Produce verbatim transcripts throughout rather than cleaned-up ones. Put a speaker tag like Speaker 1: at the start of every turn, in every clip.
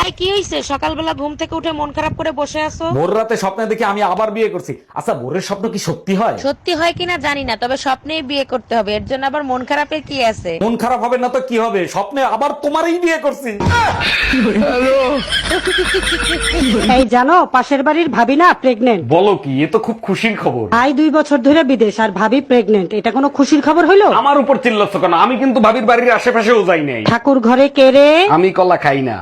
Speaker 1: এই কি হইছে? সকালবেলা ঘুম থেকে উঠে মন খারাপ করে বসে আছো?
Speaker 2: ভোর রাতে স্বপ্নে দেখি আমি আবার বিয়ে করছি। আচ্ছা, ভোরের স্বপ্ন কি সত্যি হয়?
Speaker 1: সত্যি হয় কিনা জানি না, তবে স্বপ্নেই বিয়ে করতে হবে। এর জন্য আবার মন খারাপের কি আছে?
Speaker 2: মন খারাপ হবে না তো কি হবে? স্বপ্নে আবার তোমারই বিয়ে করছি।
Speaker 3: এই জানো, পাশের বাড়ির ভাবি না প্রেগনেন্ট।
Speaker 2: বলো কি? এ তো খুব খুশির খবর।
Speaker 3: ভাই দুই বছর ধরে বিদেশ আর ভাবি প্রেগনেন্ট, এটা কোনো খুশির খবর হইলো?
Speaker 2: আমার উপর চিল্লাচ্ছ কেন? আমি কিন্তু ভাবির বাড়ির আশেপাশেও যাই নাই।
Speaker 3: ঠাকুর ঘরে কেড়ে।
Speaker 2: আমি কলা খাই না।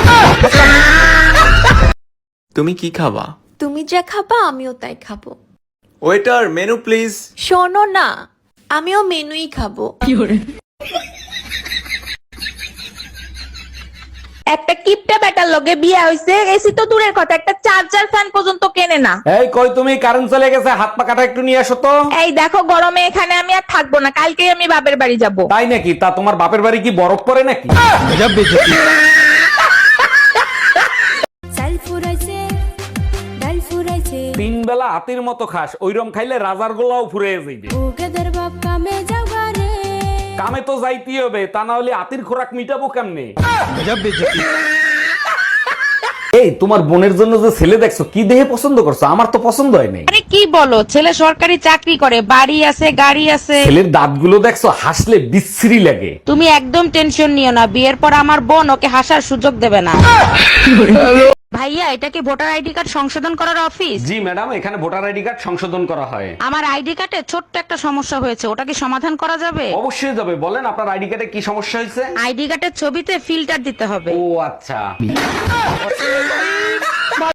Speaker 4: তুমি কি খাবা?
Speaker 5: তুমি যা খাবা আমিও তাই খাবো।
Speaker 4: Waiter, menu please.
Speaker 5: শোনো না, আমিও মেনুই খাবো। একটা কিপটা বেটার লগে বিয়ে হইছে, এসি তো দূরের কথা, একটা চার্জার ফ্যান পর্যন্ত কেনে না।
Speaker 2: এই কই তুমি? কারেন্ট চলে গেছে, হাত পা কাটা একটু নিয়ে আসো তো।
Speaker 5: এই দেখো, গরমে এখানে আমি আর থাকবো না, কালকেই আমি বাপের বাড়ি যাব।
Speaker 2: তাই নাকি? তা তোমার বাপের বাড়ি কি বরফ পড়ে নাকি?
Speaker 6: চাল ফুরাইছে ডাল ফুরাইছে
Speaker 2: তিন বেলা হাতির মতো খাস, ওইরম খাইলে রাজার গোলাও ফুরিয়ে যাইবে।
Speaker 6: ওকেদের বাপ কামে যাও ঘরে
Speaker 2: কামে তো যাইতেই হবে, তা না হলে হাতির খোরাক মিটাবো কেমনে? এই তোমার বোনের জন্য যে ছেলে দেখছো, কি দেহে পছন্দ করছো? আমার তো পছন্দ হয় নাই।
Speaker 1: আরে কি বলো, ছেলে সরকারি চাকরি করে, বাড়ি আছে, গাড়ি আছে।
Speaker 2: ছেলের দাঁতগুলো দেখছো? হাসলে বিশ্রী লাগে।
Speaker 1: তুমি একদম টেনশন নিও না, বিয়ের পর আমার বোন ওকে হাসার সুযোগ দেবে না। ভাইয়া, এটা কি ভোটার আইডি কার্ড সংশোধন করার অফিস?
Speaker 2: জি ম্যাডাম, এখানে ভোটার আইডি কার্ড সংশোধন করা হয়।
Speaker 1: আমার আইডি কার্ডে ছোট্ট একটা সমস্যা হয়েছে, ওটা কি সমাধান করা যাবে?
Speaker 2: অবশ্যই যাবে। বলেন আপনার আইডি কার্ডে কি সমস্যা হয়েছে?
Speaker 1: আইডি কার্ডের ছবিতে ফিল্টার দিতে হবে।
Speaker 2: ও আচ্ছা।